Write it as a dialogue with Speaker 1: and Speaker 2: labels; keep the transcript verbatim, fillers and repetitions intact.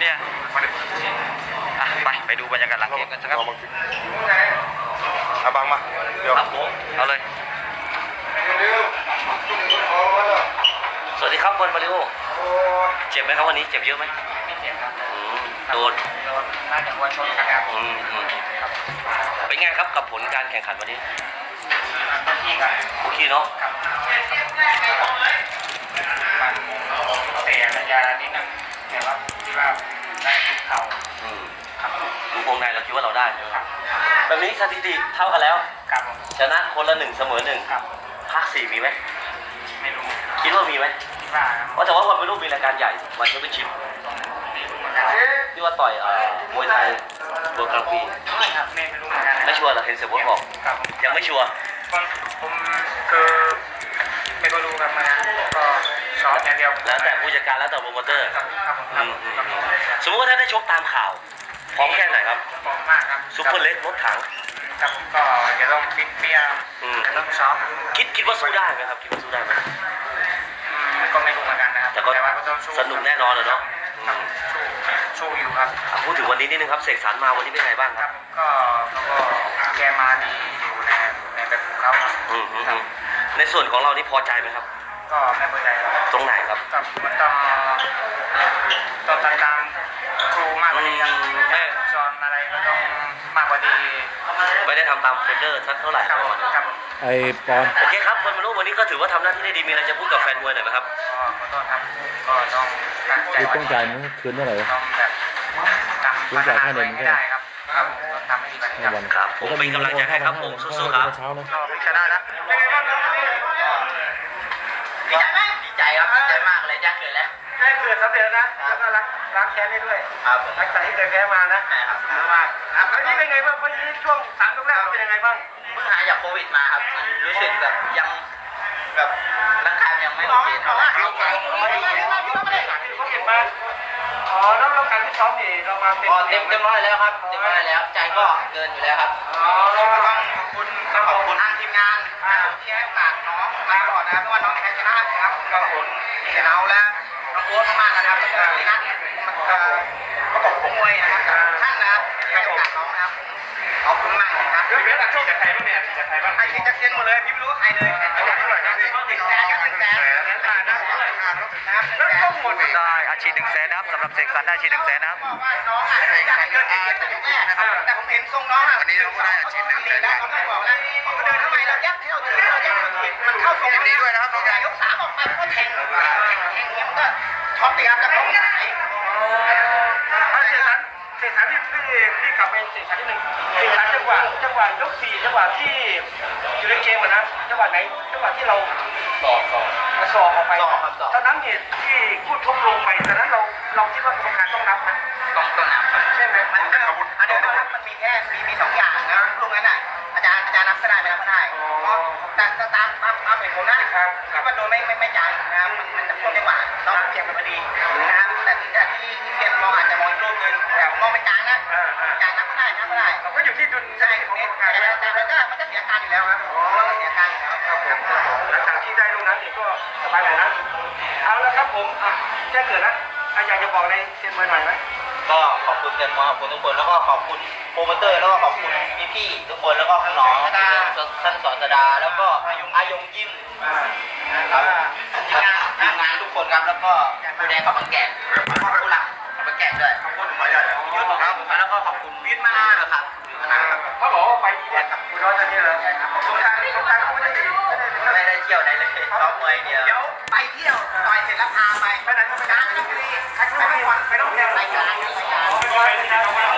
Speaker 1: เนี่ยอ่ะไปไปดูบรรยากาศหลังเกมกันสักครับ
Speaker 2: เอาบังมาเดี๋ยว
Speaker 1: เอาเลยสวัสดีครับบอลมาริโอเจ็บไหมครับวันนี้เจ็บเยอะไหม
Speaker 3: ไม่เจ็บครับ
Speaker 1: โดน
Speaker 3: น่าจะวัวชนกันครับ
Speaker 1: เป็นไงครับกับผลการแข่งขันวันนี้
Speaker 3: ที่ครับ
Speaker 1: โอเคเนาะ
Speaker 3: เตะระยะนิดนึงแต่ว่าที่ว่าได้ทุกเข่า
Speaker 1: ดูวงในเราคิดว่าเราได้แบบนี้สถิติเท่ากันแล้วชนะคนละหนึ่งเสมอหนึ่งภาคสี่มีไหม
Speaker 3: ไม่รู้
Speaker 1: คิดว่ามีไหมเพราะแต่ว่าวันไม่รู้มีรายการใหญ่วันแชมเปี้ยนชิพที่ว่าต่อยมวยไทยเวิร์กราฟี
Speaker 3: ไม่ครับไม่ไม่รู้เหมือนกัน
Speaker 1: ไม่ชัวร์เหรอเห็นเสียบดบอกยังไม่ชัวร์
Speaker 3: ผมคือไม่ก็รู้ครับมาก็ซ้อมอย่างเดียว
Speaker 1: แล้วแต่ผู้จัดการแล้วแต่โปรโมเตอร์สมมติว่าถ้าได้ชกตามข่าวพร้อมแค่ไหนครับ
Speaker 3: พร้อมมากครับ
Speaker 1: ซุปเปอร์เล็กรถถัง
Speaker 3: ครับก็จะต้องฟิตเปี้ยจะต้องซ้อม
Speaker 1: คิดคิดว่าสู้ได้ไหมครับคิดว่าสู้ได้ไหม
Speaker 3: ก็ไม่รู้เหมือนกันนะครับ
Speaker 1: แต่ก็สนุกแน่นอนเลยเนาะ
Speaker 3: สู้อยู่ครับ
Speaker 1: พูดถึงวันนี้นิดนึงครับเสกสรรมาวันนี้เป็นไงบ้างครับ
Speaker 3: ก็เขาก็แกมาดีอยู่ในในแบบของเขา
Speaker 1: ในส่วนของเรานี่พอใจไหมครับ
Speaker 3: ก็ไม่พอใจ
Speaker 1: ตรงไหนครับ
Speaker 3: มันต้องต้องตามตามครูมากกว่านี้ครับแม่สอนอะไรก็ต้องมากกว่านี้
Speaker 1: ไม่ได้ทำตามเฟเดอร์สักเท่าไหร่
Speaker 3: ครับ
Speaker 4: ไอ้ปอน
Speaker 1: โอเคครับคนมารู้วันนี้ก็ถือว่าทำหน้าที่ได้ดีมีอะไรจะพูดกับแฟนมวยหน่อยไหมครับ
Speaker 3: ก็ขอโทษครับก็ต้องตั้งใจ
Speaker 4: คือต้องจ่ายมันคืนเท่าไหร่
Speaker 3: ต้องแบบทำพัฒนาตัวเองให้ได้ครับครับทำให้ดีกว่านี้
Speaker 1: ครับผมเป็นกำลังใจให้ครับผมสู้ๆครับ
Speaker 3: ชนะนะดีใจไหมดีใจครับดีใจมากเลยแจ้งเกิดแล้วแจ้งเกิดสำเร็จนะแล้วก็รักรักแค้นได้ด้วยครับรักใจที่เคยแพ้มานะครับสนุกมากวันนี้เป็นไงบ้างวันนี้ช่วงสามยกแรกเป็นยังไงบ้าง
Speaker 5: เพิ่งหายจากโควิดมาครับรู้สึกแบบยังแบบร่างกายยังไม่โอเคเท่าไหร่
Speaker 3: เขาเก็บมาอ๋อแล้วเราการที่ซ้อมนี่เรามาเป็น
Speaker 5: เต็มเต็มร้อยแล้วครับเต็มร้อยแล้วใจก็เกินอยู่แล้วครับ
Speaker 3: อ๋อ
Speaker 5: ต้องขอบคุณต้องขอบคุณทางทีมงานที่ให้โอกาสน้องมาก่อนนะครับเพราะว่าน้องในการชนะครับขอบคุณเสนาและน้องโบ๊ทมากๆนะครับแล้วก็พี่นัทมันก็ประกบมวยนะครับท่านนะครับให้โอกาสน้องนะครับขอบคุณมากนะครับ
Speaker 3: เดี๋ยวเดี๋ยวฉีดจากใครบ้างเนี่ยฉีดจากใครบ้าง
Speaker 5: ใครฉีดจากเซียนหมดเลยพี่ไม่รู้ว่าใครเลย
Speaker 3: เอาจากเท่าไหร่นะหนึ่งแสนครับหนึ่งแสนขาดนะแล้วก็หมด
Speaker 1: ได้อาชีพหนึ่งแสนนะครับสำหรับเสกสรรได้อาชีพหนึ่งแสนนะครับ
Speaker 5: น้องอ่ะอยากเกินเจ็ดแต่แม่แต่ผมเห็นทรงน้องอ่ะวันนี้น้องก็ได้อาชีพหนึ่งแสนแล้วเขาไม่บอกแล้วเขาเดินทำไมเรายัดให้เราถือเรายัดเราถือมันเข้าทรงนี้ด้วยนะครับน้องใหญ่ยกสามออกไปก็แทงแทงเนี่ยมันก็ช็อตตีครับแต่เขาไม่ได้
Speaker 3: เสกสรรเสกสรรที่พี่พี่กลับไปเสกสรรที่หนึ่งเสกสรรจังหวะจังหวะยกสี่จังหวะที่อยู่ในเกมนะจังหวะไหนจังหวะที่เรา
Speaker 5: สอบสอบ
Speaker 3: มาสอบออกไปตอนนั้นเหตุที่พูดทุบลงไปตอนนั้นเราเราคิดว่ากรรมการต้องนับไหม
Speaker 5: ต้องต้องนับ
Speaker 3: ใช่ไหม
Speaker 5: มันเป็นอาวุธอันนี้นะครับมันมีแค่มีมีสองอย่างนะลูกนั้นน่ะอาจารย์อาจารย์นับก็ได้ไม่นับก็ได้เพราะแต่ตามตามตามเห็นผมนะคิดว่าโดนไม่ไม่ไม่จ่ายนะครับมันมันจะช่วงจังหวะน้องเพียงกันพอดีนะครับแต่ที่แต่ที่ที่เพียงมองอาจจะมองรูปนึงแต่มองเป็นกลางนะกลางนับก็ได้นับก็ได้
Speaker 3: เราก็อยู่ที่ดุล
Speaker 5: ใช่ตรงนี้แต่แต่มันก็มันก็เสียการอยู่แล้วครับมันก็เสียการอยู่แล้ว
Speaker 3: หลังจากที่ได้ลูกนั้นเองก็สบายเลยนะเอาละครับผมแจ้งเกิดนะอยากจะบอกอะไรเซียนมวยหน่อยไหม
Speaker 5: ก็ขอบคุณเซียนมวยขอบคุณทุกคนแล้วก็ขอบคุณโปรโมเตอร์แล้วก็ขอบคุณพี่ๆทุกคนแล้วก็น้องท่านสอนสดาแล้วก็อายงยิ้มครับทีมงานทีมงานทุกคนครับแล้วก็ผู้แดงกับบังแกะผู้หลักกับบังแกะด้วยขอบคุณหมอใหญ่ยุทธครับแล้วก็ขอบคุณวิทย์มานะครับ
Speaker 3: เขาบอกว่าไฟดีเนี่ยคุณร้อนจะนี่เหรอสงการสงการเขาไม่ได้
Speaker 5: ไม่ได้เที่ยวไหนเลยซ้อมมวยเดียวเดี๋ยวไปเที่ยวต่อยเสร็จแล้วพาไป
Speaker 3: ไปไหนก็ไปงานที่นี่ใครไม่ไปไม่ต้องเที่ยว
Speaker 5: ไปงานไปงาน